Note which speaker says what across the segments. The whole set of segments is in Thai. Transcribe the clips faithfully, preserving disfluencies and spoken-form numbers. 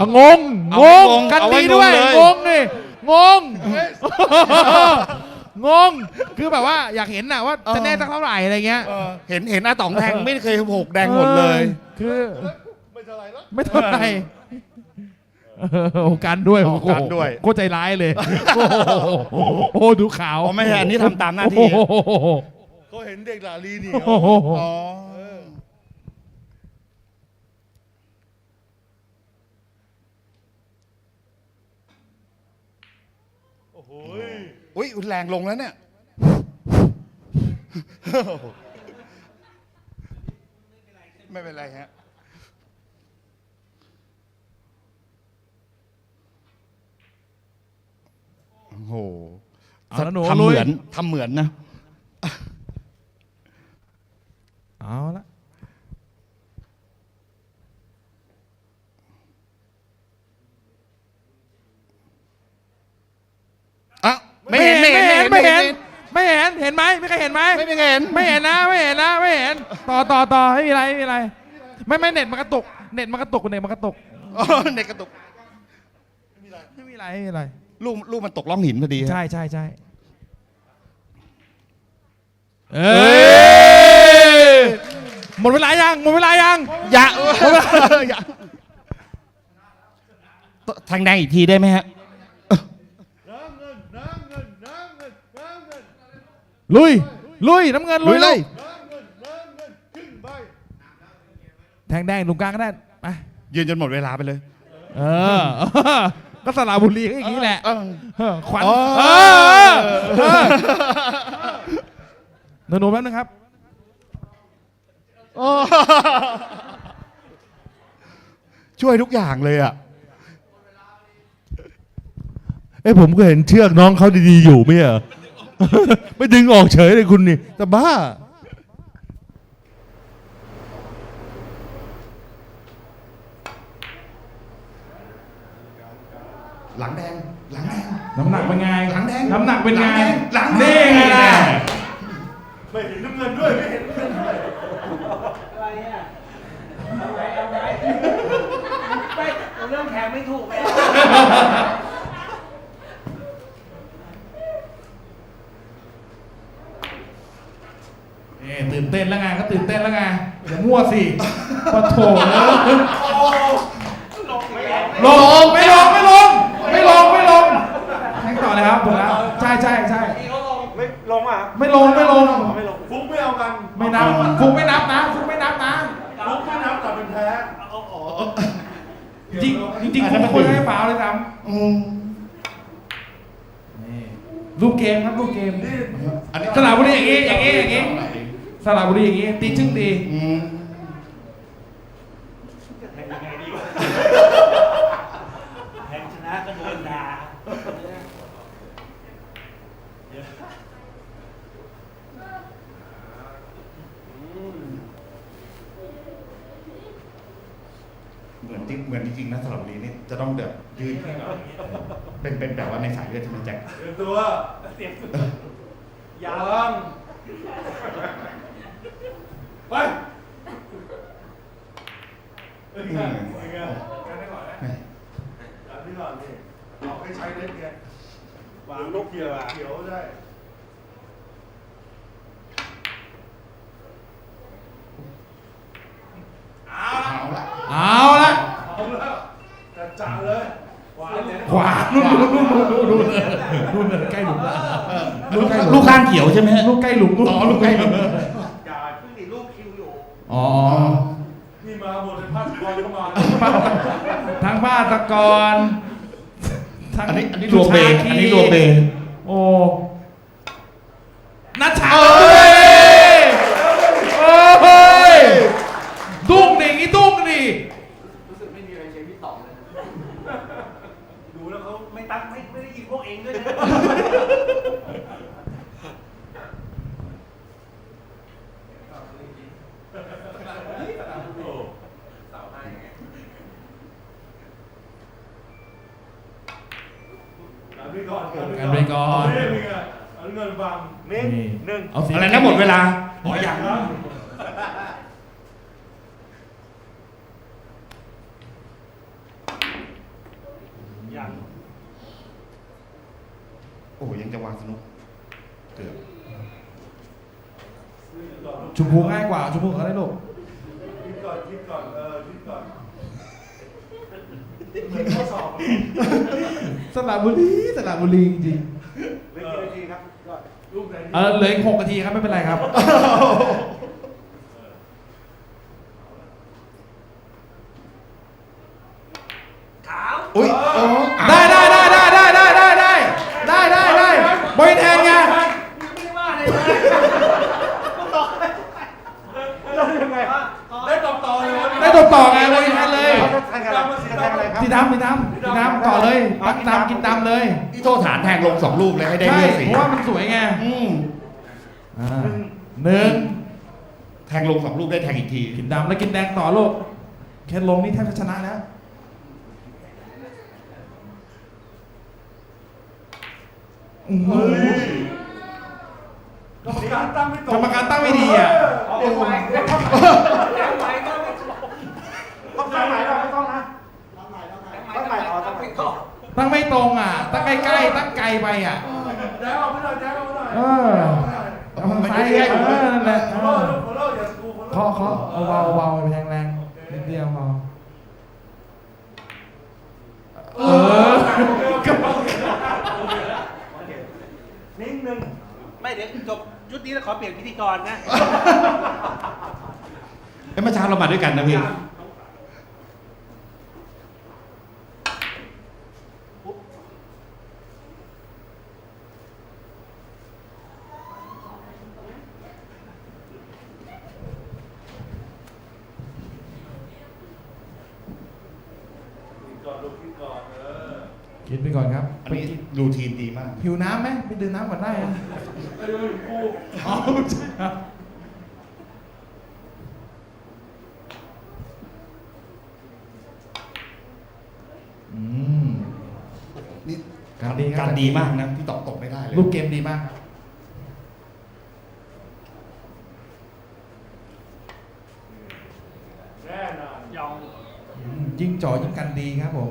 Speaker 1: งงงงกันดีด้วยงงนี่งงงงคือแบบว่าอยากเห็นน่ะว่าจะแน่สักเท่าไหร่อะไรเงี้ย
Speaker 2: เห็นเห็นอาต๋องแทงไม่เคยหกแดงหมดเลย
Speaker 1: คือไม่เท่าไหร่ไม่เท่าไหร่โอ้กันด้วยโอ้โหโคตรใจร้ายเลยโอ้ดูขาว
Speaker 2: ไม่ใช่อันนี้ทำตามหน้าที่
Speaker 3: เขาเห็นเด็กหลาลีนี่
Speaker 2: อ๋อ
Speaker 3: โอ้โห
Speaker 2: อุ้ยแรงลงแล้วเนี่ยไม่เป็นไรฮะโอ้โหทำเหมือนทำเหมือนนะ
Speaker 1: เอาละ
Speaker 2: อ่ะไม่เห็นไม่เห็น
Speaker 1: ไม่เห็นไม่เห็นเห็นไหมไม่เคยเห็นไหม
Speaker 2: ไม่เห็น
Speaker 1: ไม่เห็นนะไม่เห็นนะไม่เห็นต่อต่อต่อไม่มีอะไรไม่มีอะไรไม่ไม่เน็ตมันกระตุกเน็ตมันกระตุกเน็ตมันกระตุก
Speaker 2: เน็ตกระตุก
Speaker 1: ไม่มีอะไรไม่มีอะไร
Speaker 2: ลูกลูกมันตกล่องหินพอดี
Speaker 1: ใช่ใช่ใช่เอ้ยหมดเวลายังหมดเวลายัง
Speaker 2: อย่าทางแดงอีกทีได้ไหมฮะ
Speaker 1: ลุยลุยน้ำเงินลุยเลยแทงแดงตรงกลางก็ได้ไป
Speaker 2: ยืนจนหมดเวลาไปเลย
Speaker 1: เออก็สระบุรีก็อย่างนี้แหละขวัญหนูๆแป๊บนึงครับ
Speaker 2: ช่วยทุกอย่างเลยอ่ะ
Speaker 3: เอ้ผมก็เห็นเชือกน้องเขาดีๆอยู่ไม่เหรอไม่ดึงออกเฉยเลยคุณนี่แต่บ้า
Speaker 2: หลังแดงหลังแดง
Speaker 1: น้ำหนักเป็นไง
Speaker 2: หลังแดง
Speaker 1: น้ำหนักเป็นไง
Speaker 2: หลัง
Speaker 1: นี่ไงล่ะ
Speaker 3: ไม่เห็นน้ำเงินด้วยไม่เห็นน้ำเงินด้วย
Speaker 4: อะไรอ่ะอะไรอะไรไม่เรื่องแข่งไม่ถูกเลย
Speaker 1: ตื่นเต้นแล้วไงก็ตื่นเต้นแล้วไงอย่ามั่วสิปะโถลงไม่ลงไม่ลงไม่ลงไม่ลงแข่งต่อเลยครับผมแล้วใช่ใช่ใช่
Speaker 3: ไม่ลงอ่ะ
Speaker 1: ไม่ลงไม่ลง
Speaker 3: ไม่ลงฟุกไม่เอากัน
Speaker 1: ไม่นับฟุกไม่นับนะฟุกไม่นับนะ
Speaker 3: ฟุกไม่นับแต่เป็นแพ้
Speaker 1: จริงจริงฟุกควรให้ฟาวเลยครับรูปเกมครับรูปเกมสระบุรีอย่างงี้อย่างงี้อย่างงี้สระบุรีอย่างงี้ตีชึ่งดี
Speaker 4: แทงยังไงดีวะแทงชนะก็โดนด่า
Speaker 2: เหมือนจริงเหมือนจริงนะสระบุรีนี่จะต้องเดือดยืนเป็นเป็นแบบว่าในสายเลือดใช่ไหมแจ็ค
Speaker 3: เตรียมตัวเตรียมตัวยังไปยังไงยังไงกันได้ก่อนนะกันได้ก่อนนี่เราให้ใช้เล็กไงวางลูกเขียวเขียวได้
Speaker 1: เอาละเอาละ
Speaker 3: เอาละจัดจ่าเลย
Speaker 1: ขวานู่นนู่นนู่นนู่นนู่นนู่นใกล้หลุม
Speaker 2: ลูกข้างเขียวใช่ไหม
Speaker 1: ลูกใกล้หลุม
Speaker 2: อ๋อลูกใกล้หลุม
Speaker 4: อย่าเพิ่งดิลูกคิวอยู่
Speaker 1: อ๋อ
Speaker 3: นี่มาหมดเลยภาคกรเข้ามา
Speaker 1: ทั้งภาคกร
Speaker 2: อันนี้อันนี้รวมเบอันนี้รวมเบ
Speaker 1: โอ้นัชชาโอ้ยดุ้งดิงี้ดุ้งดิ
Speaker 4: รู้สึกไม่มีอะไรเชียร์พี่ต่อเลยดูแล้วเขาไม่ตั้งไม่ไม่ได้ยินพวกเองด้วยนะ
Speaker 1: กันไปก่อน
Speaker 3: เงินบังเน้นหนึ่ง
Speaker 2: อะไรนะหมดเวลาอ๋ออย่างนะ
Speaker 3: ยัง
Speaker 2: โอ้ยังจะวางสนุกเกือบ
Speaker 1: ชมพูง่ายกว่าชมพูเขาได้ลูก
Speaker 3: คิดก่อนคิดก่อนเออคิดก่อนเหมือนข้อสอบ
Speaker 1: สระบุรีสระบุรีจริง
Speaker 3: เหลือกี่นาทีครับลูกไหน
Speaker 1: ๆเออเหลืออีกหกนาทีครับไม่เป็นไรครับ
Speaker 4: ขาว
Speaker 2: อุ้ยโอ้
Speaker 1: ได้ได้ได้ได้ได้ได้ได้ได้ได้ได้ได้บอยแทนไง
Speaker 4: ไม่ได้ว่าอะไรเลย
Speaker 3: แล้วยังไงได้ตอบต่อเลย
Speaker 1: ได้ตัวต่อไงบอยแทนเลย
Speaker 3: แทงอะไรแทงอะไรครับ
Speaker 1: ที่ดำที่ดำที่ดำต่อเลยตักดำกินดำเลย
Speaker 2: ที่โทษฐานแทงลงสองลูกเลยให้ได้
Speaker 1: ใช่
Speaker 2: เลือดสี
Speaker 1: เพราะว่ามันสวยไง
Speaker 2: อืม
Speaker 1: อ่าหนึ่ง
Speaker 2: แทงลงสองลูกได้แทงอีกที
Speaker 1: กินดำแล้วกินแดงต่อลูกแค่ลงนี่แทบจะชนะแล้วโอ้โห
Speaker 3: กรรมการตั้งไม่ตรง
Speaker 1: กรรมการตั้งไม่ดีอ่ะ
Speaker 4: แรงไหวแรงไหวก็ไม่ถูก
Speaker 3: ต้องตั้งไหนเราไม่ต้องนะ
Speaker 4: ตั้งไหนตั้งไหนต่อ
Speaker 1: ตั้งไม่ตรงอ่ะ ตั้งใกล้ๆตั้งไกลไปอ่ะ
Speaker 3: แจ้งเอาไปหน่อยแจ้งเอาไปหน่อย
Speaker 1: เออเอาทางซ้ายไงเออนั่นแหละ
Speaker 3: ข
Speaker 1: เอ
Speaker 3: อ
Speaker 1: อ
Speaker 3: โทษขอโทษอย่ากูขอโทษ
Speaker 1: เคาะเคาะเบาๆเบาๆไปแรงๆนิดเดียวพอเออ
Speaker 3: นิ่งหนึ่ง
Speaker 4: ไม่เดี๋ยวจบชุดนี้แล้วขอเปลี่ยนพิธีกรนะ
Speaker 2: เอ้ยเมื่อเช้าเรามาด้วยกันนะพี่
Speaker 3: ก่อนลูกคิดก่อนเออ
Speaker 1: กินไปก่อนครับ
Speaker 2: อันนี้รูทีนดีมาก
Speaker 1: หิวน้ำไหมไปดื่มน้ำก่อนได้นะ
Speaker 3: ไอ้เรื่องกู
Speaker 1: อ๋อใช่ครับอืม
Speaker 2: นี่
Speaker 1: การดีครับ
Speaker 2: การดีมากนะพี่ตอบตกไม่ได้เลย
Speaker 1: รูปเกมดีมากครับ
Speaker 3: แน่นอน
Speaker 4: ยอง
Speaker 1: อืมยิ่งจ่อยิ่งกันดีครับผม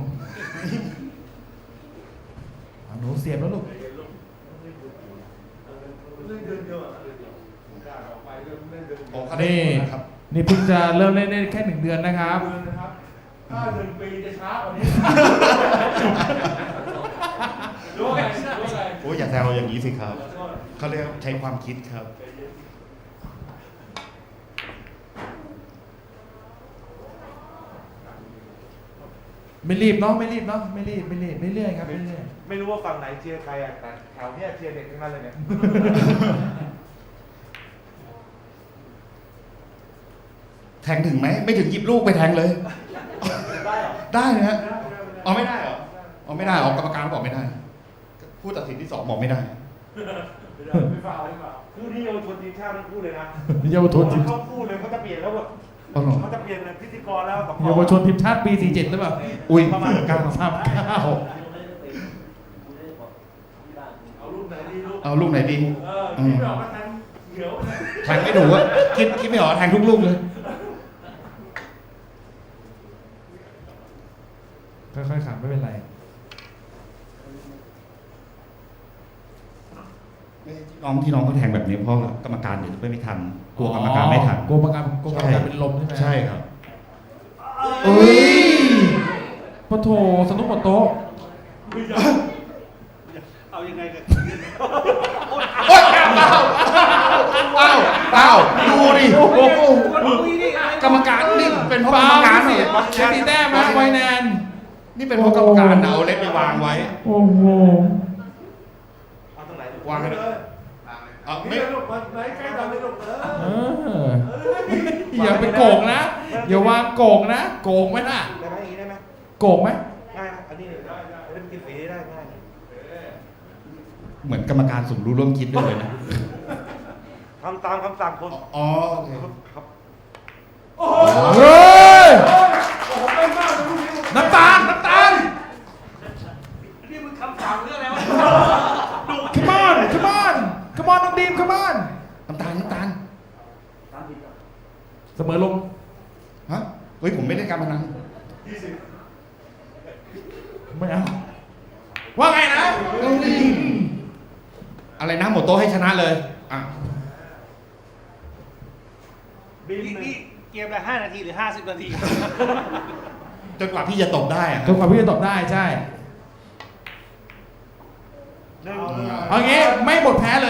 Speaker 1: เอาหนูเสียบแล้วลูก
Speaker 3: เรื่องเดือนเดียวอ่ะเดือนเดียวกล้าออกไปเรื่องเล่นเดือนเดียว
Speaker 2: โอ้
Speaker 3: เ
Speaker 2: เขาได้
Speaker 1: นี่
Speaker 2: นะครับ
Speaker 1: นี่เพิ่งจะเริ่มเล่นได้แค่หนึ่งเดือนนะครับ
Speaker 3: ดือนนะครับถ้าหนึ่งปีจะช้ากว่านี้รู้ไงรู้ไง
Speaker 2: โอ้ยอย่าแซวอย่างนี้สิครับเขาเรียกใช้ความคิดครับ
Speaker 1: ไม่รีบเนาะไม่รีบเนาะไม่รีบไม่รีบไม่เรื่อยครับไม่เรื่อย
Speaker 3: ไม่รู้ว่าฝั่งไหนเชียร์ใครอ่ะแต่แถวเนี้ยเชียร์เด็กทั้งนั้นเลยเนี่ย
Speaker 2: แทงถึงไหมไม่ถึงหยิบลูกไปแทงเลย
Speaker 3: ได้เหรอ
Speaker 2: ได้นะฮะเอาไม่ได้เหรอเอาไม่ได้เหรอกรรมการบอกไม่ได้ผู้ตัดสินที่สองบอกไม่ได้
Speaker 3: ไม่ได้ไม่ฟาวไม่ฟาวคู่ที่เยาวชนทีมชาติทั้งคู่เลยนะ
Speaker 1: เยาวชนทีม
Speaker 3: เขาพูดเลยเขาจะเปลี่ยนแล้วแบบ
Speaker 2: อ๋อเหรอ
Speaker 3: เขาจะเปลี่ยนเป็นพิธีกรแล้วสอง
Speaker 1: เยาวชนทีมชาติปีสี่สิบเจ็ดหรือเปล่า
Speaker 2: อุ้ย
Speaker 1: ประมาณเก้าสามเก้า
Speaker 3: เอาลูกไหนดีลูก
Speaker 2: เอาลูกไหนดี
Speaker 3: เออคิดไม่ออกก็แทงเหี่ยวนะ
Speaker 2: แทงไม่ถูกอะคิดคิดไม่ออกแทงทุกลูกเลย
Speaker 1: ค่อยๆขับไม่เป็นไร
Speaker 2: น้องที่น้องเขาแทงแบบนี้เพราะกรรมการเดี๋ยวจะไม่ทันกลัวกรรมการไม่ทัน
Speaker 1: กลัวกรรมการกลัวกรรมการเป็นลมใช่ไหม
Speaker 2: ใช่ครับ
Speaker 1: เอ้ยปะโถสนุกหมดโต๊ะ
Speaker 4: เอายังไงกัน
Speaker 2: โอ๊ยอ้าวอ้าวอ้าวดูดิ
Speaker 4: คนคุยนี่ไง
Speaker 2: กรรมการนี่เป็นเพราะกร
Speaker 1: ฟาร
Speaker 2: มการ
Speaker 1: สิ
Speaker 2: เนี่ย
Speaker 1: เชฟตีแต้มนะไวแนน
Speaker 2: นี่เป็นเพราะกรรมการเอาเล็บไปวางไว้
Speaker 1: โอ้โห
Speaker 3: เอาตรงไหน
Speaker 2: วางให้
Speaker 3: เล
Speaker 2: เลย
Speaker 3: ย
Speaker 2: เอา
Speaker 3: นี่
Speaker 2: ไม่
Speaker 3: เลยลูกมันไหนใกล้เราเลยลูกเอ
Speaker 1: เอ
Speaker 3: อ
Speaker 1: ออย่าไปโกงนะ อย่าวางโกงนะ โกงไหมน่ะ
Speaker 3: ได้ไหมอย่างนี้ได้ไหม
Speaker 1: โกงไหม
Speaker 3: ง่ายนะอันนี้ได้ได้เล่นกินสีได้ง่าย
Speaker 2: เหมือนกรรมการสมรู้ร่วมคิดด้วยเลยนะ
Speaker 3: ทำตามคำสั่งคน
Speaker 2: อ๋อโอเค
Speaker 3: ครับ
Speaker 1: เฮ้ย
Speaker 3: โอ้โหเป็นมากเลยลูกนี้
Speaker 1: น้ำตาล น้ำตาล
Speaker 4: นี่มึงคำสั่งเรื่องอะไรวะ
Speaker 1: come on come on come on น้องดีม come on
Speaker 2: น้ำตาลน้ำตาล
Speaker 1: เสมอลง
Speaker 2: ฮะเฮ้ยผมไม่ได้การพนัน
Speaker 3: ยี่สิบ
Speaker 1: ไม่เอาว่าไงนะ
Speaker 2: อะไรนะหมดโต๊ะให้ชนะเลยอ่ะ
Speaker 3: บิน
Speaker 4: นี่
Speaker 3: หนึ่
Speaker 4: นี่
Speaker 3: ง
Speaker 4: เกมละห้านาทีหรือห้าสิบนาที
Speaker 2: จนกว่าพี่จะตบได้อะ
Speaker 1: จนกว่าพี่จะตอบได้ใช่
Speaker 3: หนึ่ง
Speaker 1: เอางี้ไม่หมดแพ้เลย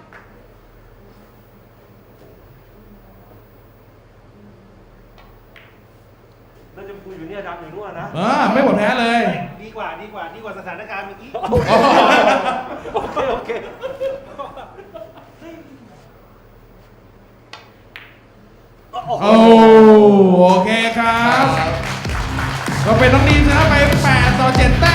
Speaker 3: แล้วจะคุยอยู่เนี่ยดำอยู่นู่นนะ
Speaker 1: เออไม่หมดแพ้เลย
Speaker 4: ดีกว่าดีกว่าดีกว่าสถานการณ์เมื่อกี้
Speaker 3: โอเคโอเค
Speaker 1: โอ้โอเคครับ ก็เป็นน้องดีนชนะไปแปดต่อเจ็ดแต้ม